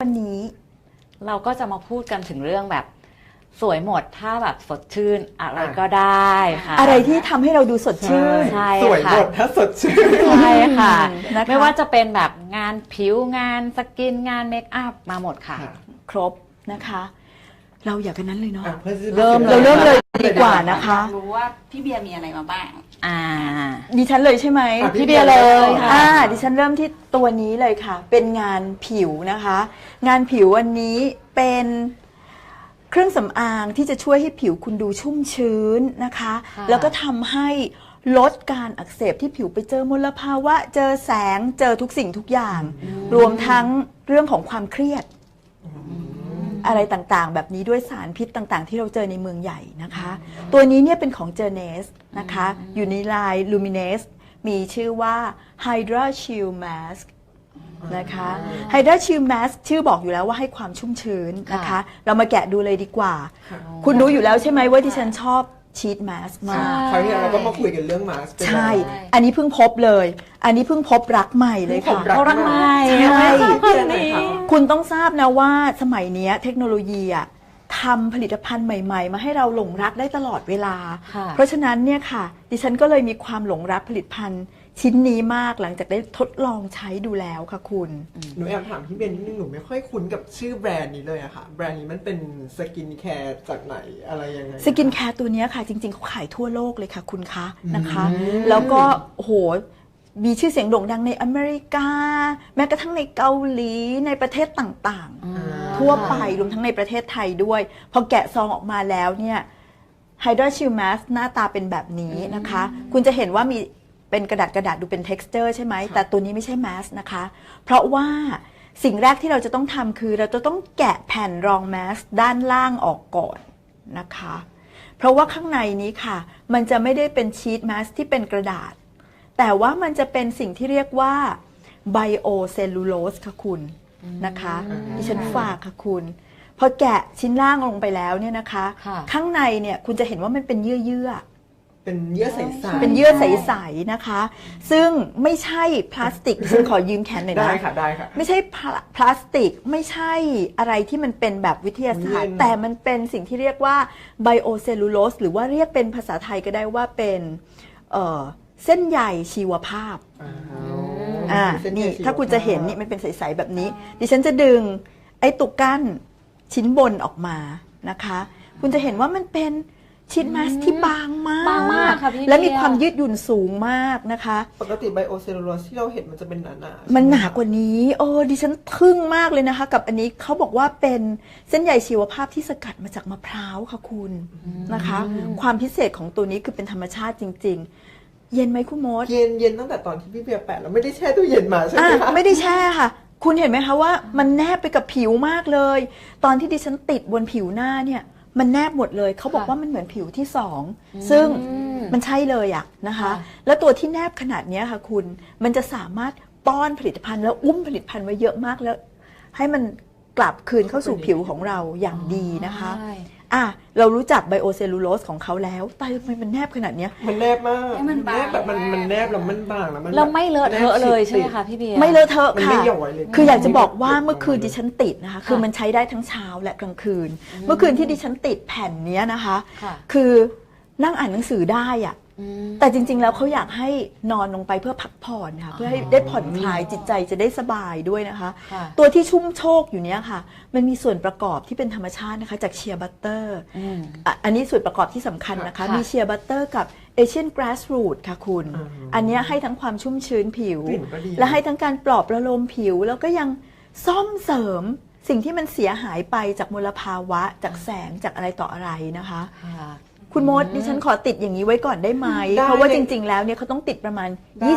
วันนี้เราก็จะมาพูดกันถึงเรื่องแบบสวยหมดถ้าแบบสดชื่นอะไรก็ได้ค่ะอะไรที่ทำให้เราดูสดชื่นใช่สวยหมดถ้าสดชื่นใช่ค่ะนะคะไม่ว่าจะเป็นแบบงานผิวงานสกินงานเมคอัพมาหมดค่ะครบนะคะเราอยากกันนั้นเลยเนาะเราเริ่มเลยดีกว่านะคะรู้ว่าพี่เบียร์มีอะไรมาบ้างดิฉันเลยใช่ไหมพี่เบียร์เลยค่ะดิฉันเริ่มที่ตัวนี้เลยค่ะเป็นงานผิวนะคะงานผิวอันนี้เป็นเครื่องสำอางที่จะช่วยให้ผิวคุณดูชุ่มชื้นนะคะแล้วก็ทำให้ลดการอักเสบที่ผิวไปเจอมลภาวะเจอแสงเจอทุกสิ่งทุกอย่างรวมทั้งเรื่องของความเครียดอะไรต่างๆแบบนี้ด้วยสารพิษต่างๆที่เราเจอในเมืองใหญ่นะคะตัวนี้เนี่ยเป็นของ Journeys นะคะอยู่ในลาย Luminous มีชื่อว่า Hydra Shield Mask นะคะ Hydra Shield Mask ชื่อบอกอยู่แล้วว่าให้ความชุ่มชื้นนะคะเรามาแกะดูเลยดีกว่าคุณรู้อยู่แล้วใช่ไหมว่าที่ฉันชอบชีทมาสมากคราวนี้เราก็มาคุยกันเรื่องมาสใช่อันนี้เพิ่งพบเลยอันนี้เพิ่งพบรักใหม่เลยค่ะรักใหม่ใช่คุณต้องทราบนะว่าสมัยนี้เทคโนโลยีอะทำผลิตภัณฑ์ใหม่ๆมาให้เราหลงรักได้ตลอดเวลาเพราะฉะนั้นเนี่ยค่ะดิฉันก็เลยมีความหลงรักผลิตภัณฑ์ชิ้นนี้มากหลังจากได้ทดลองใช้ดูแล้วค่ะคุณหนูแอบถามพี่เบนนิดนึงหนูไม่ค่อยคุ้นกับชื่อแบรนด์นี้เลยอะค่ะแบรนด์นี้มันเป็นสกินแคร์จากไหนอะไรยังไงสกินแคร์ตัวนี้ค่ะจริงๆเขาขายทั่วโลกเลยค่ะคุณคะนะคะแล้วก็โหมีชื่อเสียงโด่งดังในอเมริกาแม้กระทั่งในเกาหลีในประเทศต่างๆทั่วไปรวมทั้งในประเทศไทยด้วยพอแกะซองออกมาแล้วเนี่ย Hydra Shield Mask หน้าตาเป็นแบบนี้นะคะคุณจะเห็นว่ามีเป็นกระดาษดูเป็น texture ใช่ไหมแต่ตัวนี้ไม่ใช่แมสนะคะเพราะว่าสิ่งแรกที่เราจะต้องทำคือเราจะต้องแกะแผ่นรองแมสด้านล่างออกก่อนนะคะเพราะว่าข้างในนี้ค่ะมันจะไม่ได้เป็นชีทแมสที่เป็นกระดาษแต่ว่ามันจะเป็นสิ่งที่เรียกว่าไบโอเซลลูโลสค่ะคุณนะคะดิฉันฝากค่ะคุณพอแกะชิ้นล่างลงไปแล้วเนี่ยนะคะข้างในเนี่ยคุณจะเห็นว่ามันเป็นเยื่อเป็นเยื่อใสๆเป็นเยื่อใสๆนะคะซึ่งไม่ใช่พลาสติกฉันขอยืมแขนหน่อยนะได้ค่ะได้ค่ะไม่ใช่พลาสติกไม่ใช่อะไรที่มันเป็นแบบวิทยาศาสตร์แต่มันเป็นสิ่งที่เรียกว่าไบโอเซลลูโลสหรือว่าเรียกเป็นภาษาไทยก็ได้ว่าเป็นเส้นใยชีวภาพนี่ถ้าคุณจะเห็นนี่มันเป็นใสๆแบบนี้ดิฉันจะดึงไอ้ตุกกั้นชิ้นบนออกมานะคะคุณจะเห็นว่ามันเป็นชิ้นมาสที่บางมากและมีความยืดหยุ่นสูงมากนะคะปกติไบโอเซลลูโลสที่เราเห็นมันจะเป็นหนาๆมันหนากว่านี้ดิฉันทึ่งมากเลยนะคะกับอันนี้เขาบอกว่าเป็นเส้นใยชีวภาพที่สกัดมาจากมะพร้าวค่ะคุณนะคะความพิเศษของตัวนี้คือเป็นธรรมชาติจริงๆเย็นไหมคุณมดเย็นตั้งแต่ตอนที่พี่เบียร์แปะแล้วไม่ได้แช่ตู้เย็นมาใช่ไหมคะไม่ได้แช่ค่ะคุณเห็นไหมคะว่ามันแนบไปกับผิวมากเลยตอนที่ดิฉันติดบนผิวหน้าเนี่ยมันแนบหมดเลยเขาบอกว่ามันเหมือนผิวที่สองซึ่งมันใช่เลยอะนะคะแล้วตัวที่แนบขนาดนี้ค่ะคุณมันจะสามารถป้อนผลิตภัณฑ์แล้วอุ้มผลิตภัณฑ์ไว้เยอะมากแล้วให้มันกลับคืนเข้าสู่ผิวของเราอย่างดีนะคะเรารู้จักไบโอเซลลูโลสของเขาแล้วแต่ทำไมมันแนบขนาดนี้มันแนบมากมันแนบแบบมันแนบแล้วมันบางแล้วมันเราไม่เลอะเทอะเลยใช่ไหมคะพี่เบียร์ไม่เลอะเทอะค่ะคืออยากจะบอกว่าเมื่อคืนดิฉันติดนะคะคือมันใช้ได้ทั้งเช้าและกลางคืนเมื่อคืนที่ดิฉันติดแผ่นนี้นะคะคือนั่งอ่านหนังสือได้อะแต่จริงๆแล้วเขาอยากให้นอนลงไปเพื่อพักผ่อนค่ะเพื่อให้ได้ผ่อนคลายจิตใจจะได้สบายด้วยนะคะตัวที่ชุ่มโชกอยู่เนี้ยค่ะมันมีส่วนประกอบที่เป็นธรรมชาตินะคะจากเชียร์บัตเตอร์อันนี้ส่วนประกอบที่สำคัญนะคะมีเชียร์บัตเตอร์กับเอเชียนกราสรูทค่ะคุณอันนี้ให้ทั้งความชุ่มชื้นผิวและให้ทั้งการปลอบประโลมผิวแล้วก็ยังซ่อมเสริมสิ่งที่มันเสียหายไปจากมลภาวะจากแสงจากอะไรต่ออะไรนะคะคุณมดดิฉันขอติดอย่างนี้ไว้ก่อนได้ไหมเพราะว่าจริงๆแล้วเนี่ยเขาต้องติดประมาณ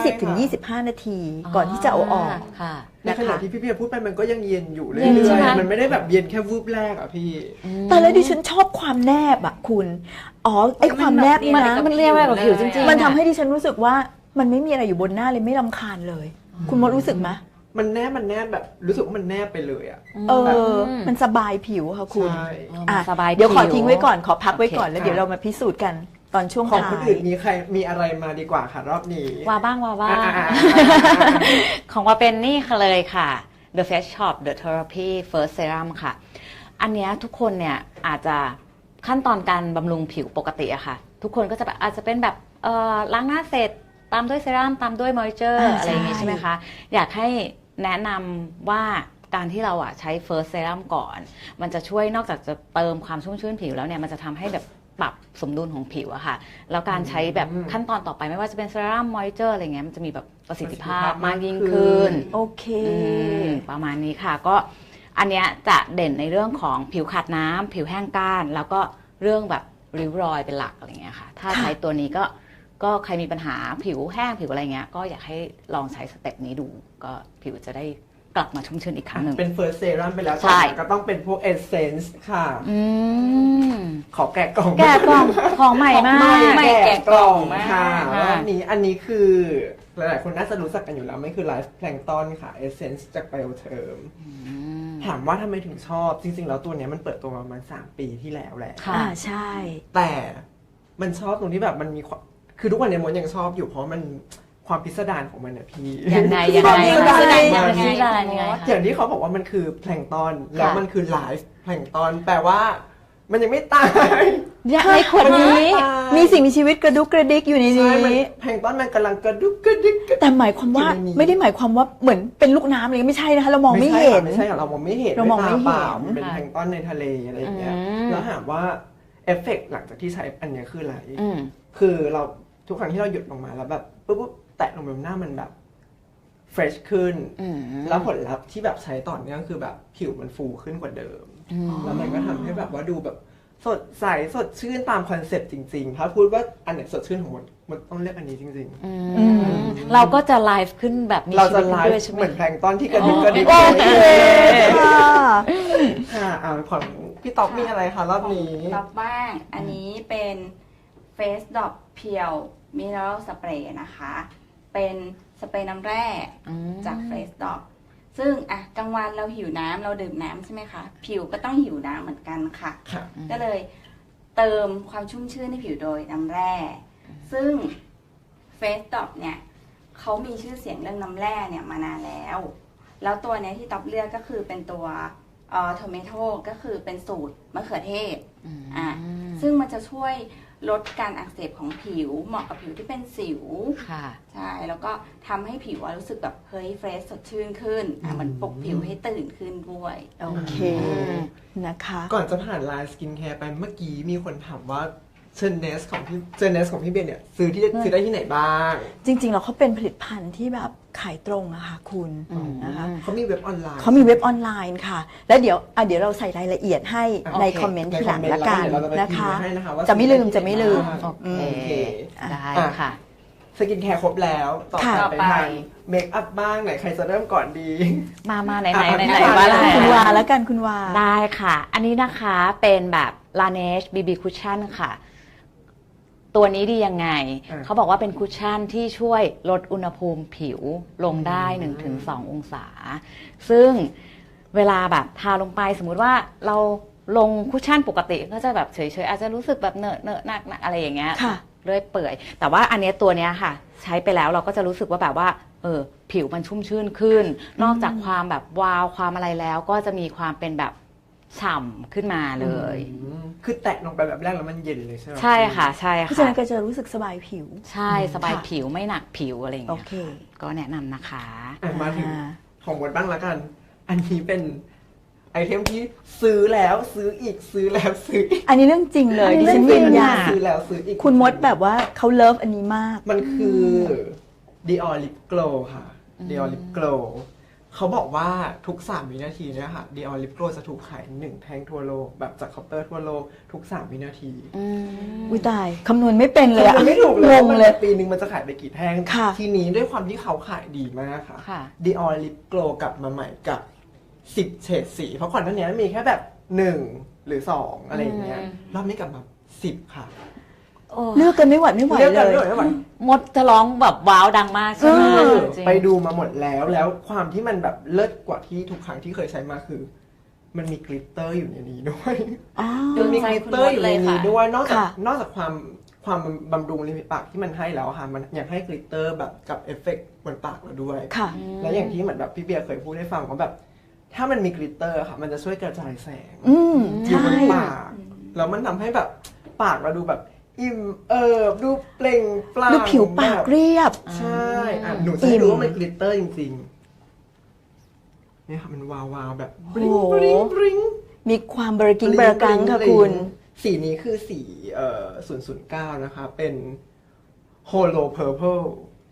20-25 นาทีก่อนที่จะเอาออกในขณะที่พี่เพียพูดไปมันก็ยังเย็นอยู่เลยมันไม่ได้แบบเย็นแค่วูบแรกอ่ะพี่แต่แล้วดิฉันชอบความแนบอ่ะคุณไอความแนบนี่นะมันเรียกว่าแบบผิวจริงๆมันทำให้ดิฉันรู้สึกว่ามันไม่มีอะไรอยู่บนหน้าเลยไม่รำคาญเลยคุณมดรู้สึกไหมมันแนบแบบรู้สึกว่ามันแนบไปเลยอ่ะมันสบายผิวค่ะคุณสบายเดี๋ยวขอทิ้งไว้ก่อนขอพักไว้ก่อนแล้วเดี๋ยวเรามาพิสูจน์กันตอนช่วงท้ายของคนอื่นมีอะไรมาดีกว่าค่ะรอบนี้ว่าบ้างของว่าเป็นนี่เลยค่ะ The Face Shop The Therapy First Serum ค่ะอันเนี้ยทุกคนเนี่ยอาจจะขั้นตอนการบำรุงผิวปกติอะค่ะทุกคนก็จะแบบอาจจะเป็นแบบล้างหน้าเสร็จตามด้วยเซรั่มตามด้วยมอยเจอร์อะไรอย่างงี้ใช่ไหมคะอยากให้แนะนำว่าการที่เราใช้ First Serum ก่อนมันจะช่วยนอกจากจะเติมความชุ่มชื้นผิวแล้วเนี่ยมันจะทำให้แบบปรับสมดุลของผิวอะค่ะแล้วการใช้แบบขั้นตอนต่อไปไม่ว่าจะเป็นเซรั่มมอยเจอร์อะไรเงี้ยมันจะมีแบบประสิทธิภาพมากยิ่งขึ้นโอเคประมาณนี้ค่ะก็อันเนี้ยจะเด่นในเรื่องของผิวขาดน้ำผิวแห้งก้านแล้วก็เรื่องแบบริ้วรอยเป็นหลักอะไรเงี้ยค่ะถ้าใช้ตัวนี้ก็ใครมีปัญหาผิวแห้งผิวอะไรเงี้ยก็อยากให้ลองใช้สเต็ปนี้ดูก็ผิวจะได้กลับมาชุ่มชื้นอีกครั้งหนึ่งเป็น first serum ไปแล้วใช่ก็ต้องเป็นพวก essence ค่ะ ขอแกะกล่องแกะกล่องของใหม่มากไม่แกะกล่องค่ะค่ะอันนี้คือหลายๆคนน่าจะรู้จักกันอยู่แล้วไม่คือ Life Plankton ค่ะ essence จาก Bioterm ถามว่าทำไมถึงชอบจริงๆแล้วตัวเนี้ยมันเปิดตัวมาประมาณ3 ปีที่แล้วแหละค่ะใช่แต่มันชอบตรงที่แบบมันมีความคือทุกวันนี้มดยังชอบอยู่เพราะมันความพิสดารของมันเนี่ยพี่ยังไงความพิสดารยังไงของมันยังไงอย่างที่เขาบอกว่ามันคือแพลงก์ตอนแล้วมันคือไลฟ์แพลงก์ตอนแปลว่ามันยังไม่ตายในขวดนี้มีสิ่งมีชีวิตกระดุกกระดิกอยู่ในใช่มันนี้แพลงก์ตอนมันกำลังกระดุกกระดิกกระดิกแต่หมายความว่าอยู่ในนี้ไม่ได้หมายความว่าเหมือนเป็นลูกน้ำอะไรไม่ใช่นะคะเรามองไม่เห็นไม่ใช่ค่ะเรามองไม่เห็นเรามองไม่เห็นด้วยตาปล่ามันเป็นแพลงก์ตอนในทะเลอะไรอย่างเงี้ยอืมแล้วถามว่าเอฟเฟกต์หลังจากที่ใช้อันเนี้ยคืออะไรอืมคือเราทุกครั้งที่เราหยุดลงมาแล้วแบบปุ๊บแตะลงไปบนหน้ามันแบบเฟรชขึ้น แล้วผลลัพธ์ที่แบบใช้ต่อเนื่องคือแบบผิวมันฟูขึ้นกว่าเดิม แล้วมันก็ทำให้แบบว่าดูแบบสดใสสดชื่นตามคอนเซ็ปต์จริงๆ ถ้าพูดว่าอันไหนสดชื่นของมันต้องเลือกอันนี้จริงเราก็จะไลฟ์ขึ้นแบบมีๆ เราชีจะวิตไลด้วยฟ์ใช่ไหมเหมือนแพลงก์ตอนที่กระดิกกระดิกโอเคค่ะค่ะของพี่ต๊อกมีอะไรคะรอบนี้รับบ้าง อันนี้เป็น Face Drop เพียว Mineral Spray นะคะ เป็นสเปรย์น้ำแร่จาก Face Drop ซึ่งกลางวันเราหิวน้ำเราดื่มน้ำใช่ไหมคะ ผิวก็ต้องหิวน้ำเหมือนกันค่ะค่ะก็เลยเติมความชุ่มชื่นให้ผิวโดยน้ำแร่ ซึ่ง Face Drop เนี่ยเขามีชื่อเสียงเรื่องน้ำแร่เนี่ยมานานแล้ว แล้วตัวเนี้ยที่ต๊อบเลือกก็คือเป็นตัวโทเมโตก็คือเป็นสูตรมะเขือเทศซึ่งมันจะช่วยลดการอักเสบของผิวเหมาะกับผิวที่เป็นสิวค่ะใช่แล้วก็ทำให้ผิวรู้สึกแบบเฮ้ยเฟรชสดชื่นขึ้นเหมือนปลุกผิวให้ตื่นขึ้นด้วยโอเคนะคะก่อนจะผ่านไลน์สกินแคร์ไปเมื่อกี้มีคนถามว่าเจนเนสของพี่เบนเนี่ยซื้อได้ที่ไหนบ้างจริงๆแล้วเขาเป็นผลิตภัณฑ์ที่แบบขายตรงอะค่ะคุณนะคะเขามีเว็บออนไลน์เขามีเว็บออนไลน์ค่ะ แล้วเดี๋ยวเราใส่รายละเอียดให้โอเคในคอมเมนต์ทีหลังละกันเราจะไปนะคะพิมพ์ให้นะคะว่าจะไม่ลืมจะไม่ลืมโอเค ได้ค่ะสกินแคร์ครบแล้วต่อค่ะไปทางเมคอัพบ้างไหนใครจะเริ่มก่อนดีมาไหนอ่ะว่าอะไรคุณวาแล้วกันคุณวาได้ค่ะ อันนี้นะคะเป็นแบบ Laneige BB Cushion ค่ะ ตัวนี้ดียังไง เขาบอกว่าเป็นคุชชั่นที่ช่วยลดอุณหภูมิผิวลงได้ 1-2 องศา ซึ่งเวลาแบบทาลงไปสมมุติว่าเราลงคุชชั่นปกติก็จะแบบเฉยๆอาจจะรู้สึกแบบเหนอะหนักอะไรอย่างเงี้ยค่ะเรื่อยเปื่อย แต่ว่าอันเนี้ยตัวเนี้ยค่ะ ใช้ไปแล้วเราก็จะรู้สึกว่าแบบว่าผิวมันชุ่มชื่นขึ้น นอกจากความแบบวาวความอะไรแล้วก็จะมีความเป็นแบบฉ่ำขึ้นมาเลยคือแตะลงไปแบบแรกแล้วมันเย็นเลยใช่ไหมใช่ค่ะใช่เพราะฉะค่ะนั้นก็จะรู้สึกสบายผิวใช่สบายค่ะผิวไม่หนักผิวอะไรอย่างโอเงี้ยเคก็แนะนำนะคะมาถึงของบดบ้างละกัน อันนี้เป็นไอเทมที่ซื้อแล้วซื้ออีกซื้อแล้วซื้ออีกอันนี้เรื่องจริงเลยอันนี้ดิฉันเรื่ยืองจรินงยันซื้อแล้วซื้ออีกคุณมดแบบว่าเขาเลิฟอันนี้มากมันคือ Dior Lip Glow ค่ะ Dior Lip Glow เขาบอกว่าทุก3วินาทีเนี่ยค่ะ Dior Lip Glow จะถูกขาย1แท่งทั่วโลกแบบจากเคาน์เตอร์ทั่วโลกทุก3วินาทีอุ้ยตายคำนวณไม่เป็นเลยอะมันไม่ถูกเลยงว่าง มันเลยปีนึงมันจะขายไปกี่แท่งค่ะทีนี้ด้วยความที่เขาขายดีมากค่ะค่ะ Dior Lip Glow กลับมาใหม่กับ10เฉดสีเพราะก่อนหน้านี้มีแค่แบบ1หรือ2อะไรอย่างเงี้ยรอบนี้กลับมา10ค่ะเลือกกันไม่ไหวไม่ไหวเลือกเลกันยไม่ไหวมดจะร้องแบบว้าวดังมากใช่ไหมจริงไปดูมาหมดแล้วความที่มันแบบเลิศกว่าที่ทุกครั้งที่เคยใช้มาคือ มันมีกลิตเตอร์อยู่ในนี้ด้วยอ๋อมันมีกลิตเตอร์อยู่ในนี้ด้วยนอกจากค่ะนอกจากความความบำรุงริมฝีปากที่มันให้แล้วอะค่ะมันยังให้กลิตเตอร์แบบกับเอฟเฟกต์บนปากเราด้วยค่ะและอย่างที่เหมือนแบบพี่เบียร์เคยพูดให้ฟังว่าแบบถ้ามันมีกลิตเตอร์ค่ะมันจะช่วยกระจายแสง อยู่ใช่บนปากแล้วมันทำให้แบบปากเราดูแบบอิ่มดูเปล่งปลั่งดูผิวปากแบบเรียบใช่หนูจะให้ดูว่ามันกลิตเตอร์จริงๆเนี่ยค่ะมันวาวๆแบบบริ้งโอ้โหบริ้งบริ้งมีความเบอร์กิ้งเบอร์กังค่ะคุณสีนี้คือสี009 นะคะ เป็น Holo Purple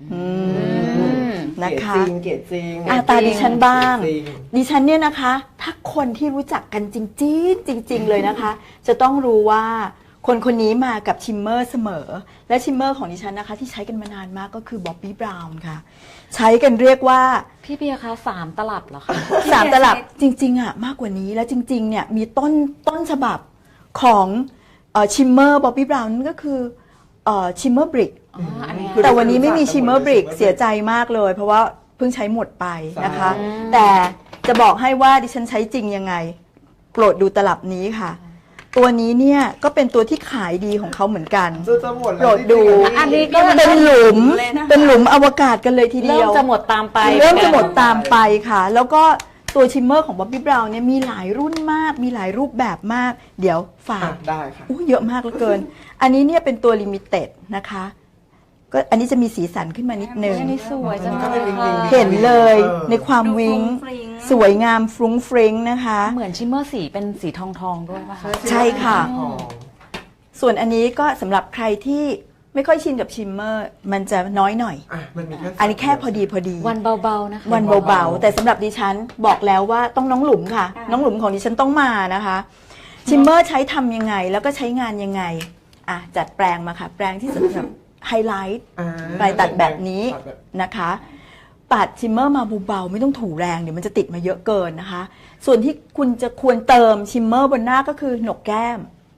นะคะเกรดจริงตาดิฉันบ้างเกรดจริงดิฉันเนี่ยนะคะ ถ้าคนที่รู้จักกันจริงๆเลยนะคะ จะต้องรู้ว่าคนคนนี้มากับชิมเมอร์เสมอ และชิมเมอร์ของดิฉันนะคะ ที่ใช้กันมานานมากก็คือบ๊อบบี้บราวน์ค่ะ ใช้กันเรียกว่าพี่เบียร์คะ3 ตลับเหรอคะ 3 ตลับจริงๆอ่ะมากกว่านี้และจริงๆเนี่ยมีต้นฉบับของชิมเมอร์บ๊อบบี้บราวน์นั่นก็คือชิมเมอร์บริกอ๋ออันเนี้ยแต่วันนี้ไม่มีชิมเมอร์บริกเสียใจมากเลย เพราะว่าเพิ่งใช้หมดไปนะคะ แต่จะบอกให้ว่าดิฉันใช้จริงยังไงโปรดดูตลับนี้ค่ะ ตัวนี้เนี่ยก็เป็นตัวที่ขายดีของเขาเหมือนกันจะหมดโปรแล้วดดูอันนี้ก็เป็นหลุมเลยนะคะเป็นหลุมอวกาศกันเลยทีเดีเริ่ยมวจะหมดตามไปเริ่มจะหมดตามไปค่ะ แล้วก็ตัวชิมเมอร์ของบ๊อบบี้บราวน์เนี่ยมีหลายรุ่นมาก มีหลายรูปแบบมาก เดี๋ยวฝากได้ค่ะเยอะมากเหลือเกิน อันนี้เนี่ยเป็นตัวลิมิเต็ดนะคะ ก็อันนี้จะมีสีสันขึ้นมานิดนึงอันนี้สวยจังก็เป็นวิงวิงเห็นเลยในความดูวิงฟรุ้งฟริ้งสวยงามฟรุ้งฟริ้งนะคะเหมือนชิมเมอร์สีเป็นสีทองด้วยป่ะคะใช่ค่ะอ๋อส่วนอันนี้ก็สำหรับใครที่ไม่ค่อยชินกับชิมเมอร์ มันจะน้อยหน่อยมันมีแค่อันนี้แค่พอดีวันเบาๆนะคะวันเบาๆ แต่สำหรับดิฉันบอกแล้วว่าต้องน้องหลุมค่ะ น้องหลุมของดิฉันต้องมานะคะ ชิมเมอร์ใช้ทำยังไง แล้วก็ใช้งานยังไงจัดแปลงมาค่ะ แปลงที่สำหรับไฮไลท์ ปลายตัดแบบนี้นะคะ ปัดชิมเมอร์มาเบาๆไม่ต้องถูแรงเดี๋ยวมันจะติดมาเยอะเกินนะคะ ส่วนที่คุณจะควรเติมชิมเมอร์บนหน้าก็คือหนกแก้ม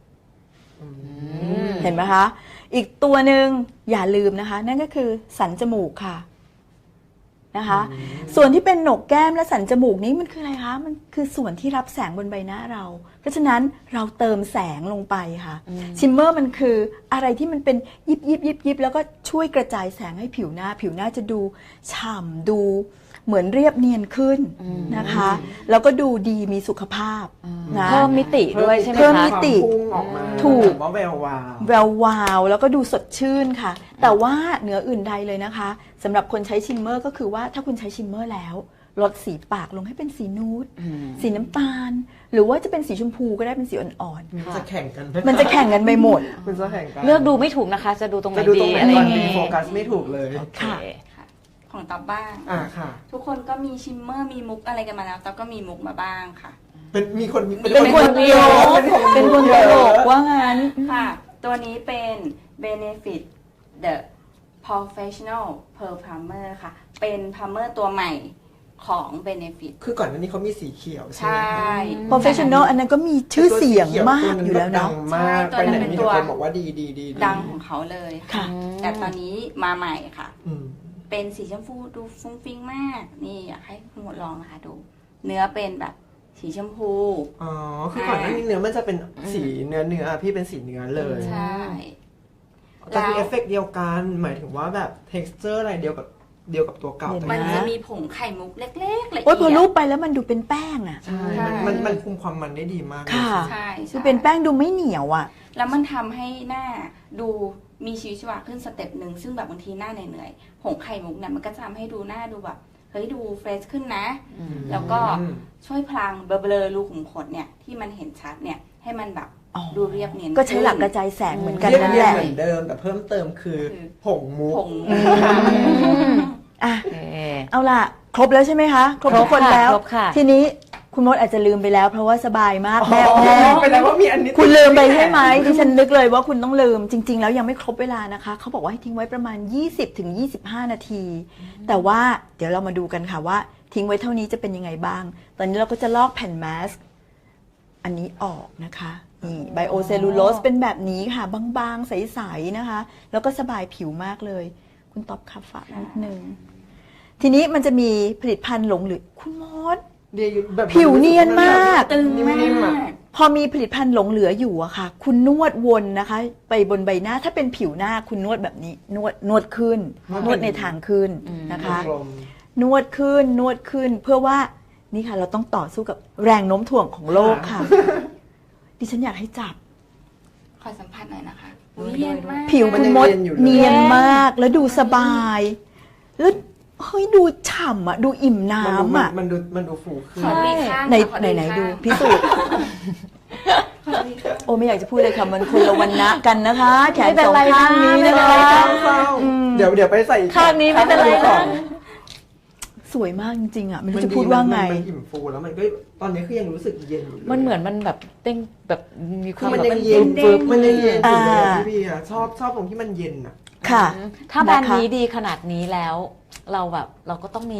เห็นไหมคะ อีกตัวหนึ่งอย่าลืมนะคะ นั่นก็คือสันจมูกค่ะนะคะ ส่วนที่เป็นหนกแก้มและสันจมูกนี้มันคืออะไรคะมันคือส่วนที่รับแสงบนใบหน้าเรา เพราะฉะนั้นเราเติมแสงลงไปค่ะชิมเมอร์มันคืออะไรที่มันเป็นยิบแล้วก็ช่วยกระจายแสงให้ผิวหน้าจะดูฉ่ำดูเหมือนเรียบเนียนขึ้นนะคะ แล้วก็ดูดีมีสุขภาพนะเพิ่มมิติด้วยใช่ไหมเพิ่มคะมิติพุ่งออกมาถูกแบบว่าแวววาวแวววาวแล้วก็ดูสดชื่นค่ะ แต่ว่าเหนืออื่นใดเลยนะคะสำหรับคนใช้ชิมเมอร์ก็คือว่าถ้าคุณใช้ชิมเมอร์แล้วลดสีปากลงให้เป็นสีนูดสีน้ำตาล หรือว่าจะเป็นสีชมพูก็ได้เป็นสีอ่อนมันจะแข่งกันๆมันจะแข่งกันไปหมดมันจะแข่งกันเลือกดูไม่ถูกนะคะ จะดูตรงไหนจะดูตรดีงไหนอะไรอก่อนย่างดีงี้โฟกัสไม่ถูกเลยค่ะของต๊อบบ้างค่ะทุกคนก็มีชิมเมอร์มีมุกอะไรกันมาแล้วต๊อบก็มีมุกมาบ้างค่ะมีคนเป็นคนตลกเป็นคนตลกว่างั้นค่ะ ตัวนี้เป็น Benefit The Professional Pearl Plumber ค่ะ เป็นพัมเมอร์ตัวใหม่ของ Benefit คือก่อนหน้านี้เขามีสีเขียวใช่ใชไหมคะ่ professional อันนั้นก็มีชื่อเสียงมากอยู่แล้วเนาะดังมากใช่ไปไหนตัวนั้นเป็นมีตัวแต่คนบอกว่าดีดังของเขาเลยค่ะแต่ตอนนี้มาใหม่ค่ะอืมเป็นสีชมพูดูฟุ้งฟิ้งมาก นี่อยากให้คุณหมดลองนะคะดู เนื้อเป็นแบบสีชมพูอ๋อ คือก่อนหน้านี้เนื้อมันจะเป็นสีเนื้อพี่เป็นสีเนื้อเลยใช่แต่คือเอฟเฟกต์เดียวกัน หมายถึงว่าแบบ texture อะไรเดียวกับตัวเก่าเห็นไหมันแต่จะมีผงไข่มุกเล็กๆละเอียดโอ้ยพอรูปไปแล้วมันดูเป็นแป้งอ่ะใช่มันคุมความมันได้ดีมากเลยค่ะใช่ดูเป็นแป้งดูไม่เหนียวอ่ะแล้วมันทำให้หน้าดูมีชีวิตชีวาขึ้นสเต็ปหนึ่งซึ่งแบบบางทีหน้าเหนื่อยๆผงไข่มุกเนี่ยมันก็จะทำให้ดูหน้าดูแบบเฮ้ยดูเฟรชขึ้นนะ แล้วก็ช่วยพลางเบลอๆรูขุมขนเนี่ยที่มันเห็นชัดเนี่ยให้มันแบบอ๋อดูเรียบเนียนก็ใช้หลักกระขึ้นจายแสงเหมือนกันเรียบนั่นเรีแหยงละเหมือนเดิมแต่เพิ่มเติมคือผงมุกผงอ่ะโอเคเอาล่ะ ครบแล้วใช่ไหมคะ ครบทุกคนแล้วครบค่ะทีนี้คุณมดอาจจะลืมไปแล้ว เพราะว่าสบายมากแม่ไปแล้วว่ามีอันนี้คุณลืมไปใช่ไหมดิฉันนึกเลยว่าคุณต้องลืมจริง ๆ แล้วยังไม่ครบเวลานะคะ เขาบอกว่าให้ทิ้งไว้ประมาณ 20-25 นาที แต่ว่าเดี๋ยวเรามาดูกันค่ะว่า ทิ้งไว้เท่านี้จะเป็นยังไงบ้าง ตอนนี้เราก็จะลอกแผ่นมาสก์อันนี้ออกนะคะนี่ไบโอเซลลูโลสเป็นแบบนี้ค่ะ บางๆ ใสๆนะคะ แล้วก็สบายผิวมากเลย คุณตอบคาฝากนิดนึง ทีนี้มันจะมีผลิตภัณฑ์หลงเหลือคุณมดแบบผิวเนียนมากตึงมานิ่มๆอะกพอมีผลิตภัณฑ์หลงเหลืออยู่อะค่ะ คุณนวดวนนะคะ ไปบนใบหน้าถ้าเป็นผิวหน้าคุณนวดแบบนี้นวดขึ้น นวดในทางขึ้นนะคะกลมนวดขึ้นเพื่อว่านี่ค่ะเราต้องต่อสู้กับแรงโน้มถ่วงของโลกค่ะ ดิฉันอยากให้จับขอสัมผัสหน่อยนะคะอุ๊ยเย็นมากผิวคุณมดมันยังเย็นอยู่เลยเนียนมากแล้วดูสบายแล้วเฮ้ยดูฉ่ำอะดูอิ่มน้ำอะมันดูฟูขึ้นขอดูอีกข้างไหนขอดูอีกไหนข้างดูพิสูจน์ขอดูอีกข้างโอ้ไม่อยากจะพูดเลยค่ะมันคนละวันนะกันนะคะ แขนไม่เป็นสองไรข้างนะนี้ไม่นะเป็นไรคะนะเศร้าๆเดี๋ยวไปใส่ข้างนี้ไม่เป็นไรนะสวยมากจริงๆอะไม่รู้จะพูดว่าไงมันอิ่มฟูแล้วมันก็ตอนนี้คือยังรู้สึกเย็นอยู่เลยมันเหมือนมันแบบเต้งแบบมีคคือวามมันแบบยังเย็นฟึบมันยังเย็นอยู่เลยอ่าพี่บีอะชอบตรงที่มันเย็นอะค่ะถ้าแบรนด์นะคะนี้ดีขนาดนี้แล้ว เราก็ต้องมี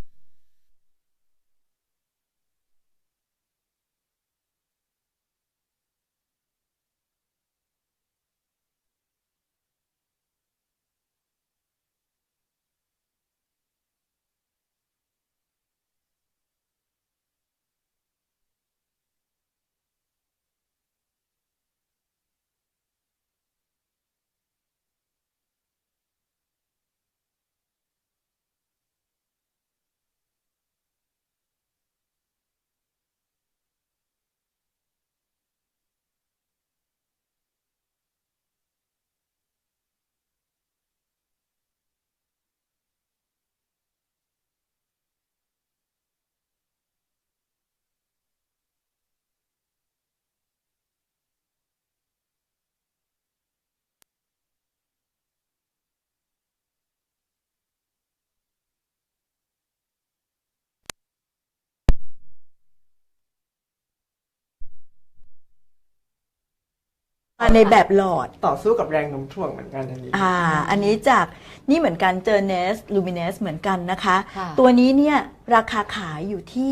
ในแบบหลอดต่อสู้กับแรงโน้มถ่วงเหมือนกันอันนี้อันนี้จากนี่เหมือนกันเจอเนสลูมิเนสเหมือนกันนะคะค่ะตัวนี้เนี่ยราคาขายอยู่ที่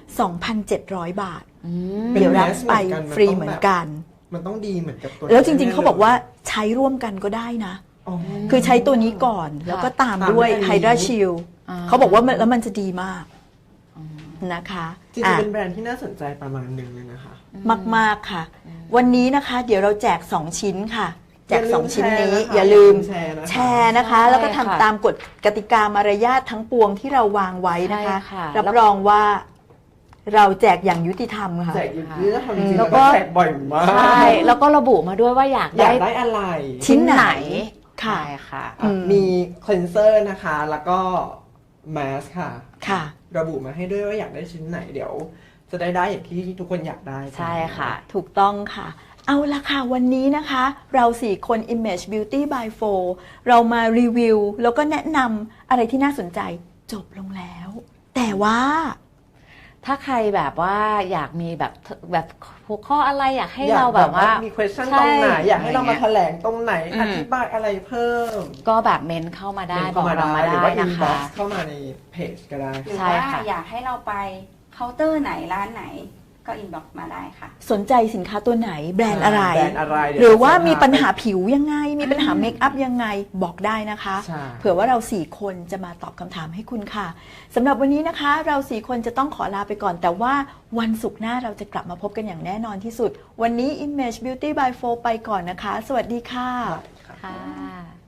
2,700 บาทเป็นเดี๋ยวรับแมสไปเหมือนกันฟรีมันต้องเหมือนแบบกันมันต้องดีเหมือนกับตัวแล้วจริงๆเขาบอกว่าใช้ร่วมกันก็ได้นะอ๋อคือใช้ตัวนี้ก่อนแล้วก็ตามด้วยตามด้วยอันนี้ไฮดราชิลอ่าเขาบอกว่ามันแล้วมันจะดีมากนะคะจริงอ่ะๆเป็นแบรนด์ที่น่าสนใจประมาณหนึ่งเลยนะคะมากๆค่ะ วันนี้นะคะเดี๋ยวเราแจก 2 ชิ้นค่ะ แจก 2 ชิ้นนี้ออย่าย่าลืลืมมแชร์นะคะแชร์นะคะใช่แล้วก็ทำค่ะตามกฎกติกามารยาททั้งปวงที่เราวางไว้นะคะใช่ค่ะรับรองว่าเราแจกอย่างยุติธรรมค่ะแจกอยู่ที่จะทำจริงๆแล้แล้ววก็ก็แจกบ่อยมากใช่ แล้วก็ระบุมาด้วยว่าอยากอยาได้กได้อะไรชิ้นไหนค่ะใช่ค่ะอืมมีคลีนเซอร์นะคะ แล้วก็แมสค่ะค่ะระบุมาให้ด้วยว่าอยากได้ชิ้นไหนเดี๋ยว จะได้อย่างที่ทุกคนอยากได้ใช่ค่ะถูกต้องค่ะ เอาละค่ะวันนี้นะคะ เรา4คน Image Beauty by 4เรามารีวิว แล้วก็แนะนำอะไรที่น่าสนใจจบลงแล้ว แต่ว่าถ้าใครแบบว่าอยากมีแบบหัวข้ออะไรอยากให้อยากเราแบบว่ามี question ใช่ตรงไหน อยากให้เรามาอะไรแถเงี้ยลงตรงไหนอืมอธิบายอะไรเพิ่มก็แบบเมนเข้ามาได้เมนบอกเข้ามาเรามาหรือได้ว่านะ inbox คะเข้ามาในเพจก็ได้หรือใช่ว่าค่ะอยากให้เราไปเคาน์เตอร์ไหนร้านไหนก็อินบ็อกซ์มาได้ค่ะสนใจสินค้าตัวไหนแบรนด์อะไรแบรนด์อะไรเดี๋ยวหรือว่ามีจะพาปัญหาผิวยังไง มีปัญหาเมคอัพยังไงบอกได้นะคะใช่เผื่อว่าเรา4คนจะมาตอบคำถามให้คุณค่ะสำหรับวันนี้นะคะเรา4คนจะต้องขอลาไปก่อน แต่ว่าวันศุกร์หน้าเราจะกลับมาพบกันอย่างแน่นอนที่สุด วันนี้ Image Beauty by 4ไปก่อนนะคะ สวัสดีค่ะค่ะ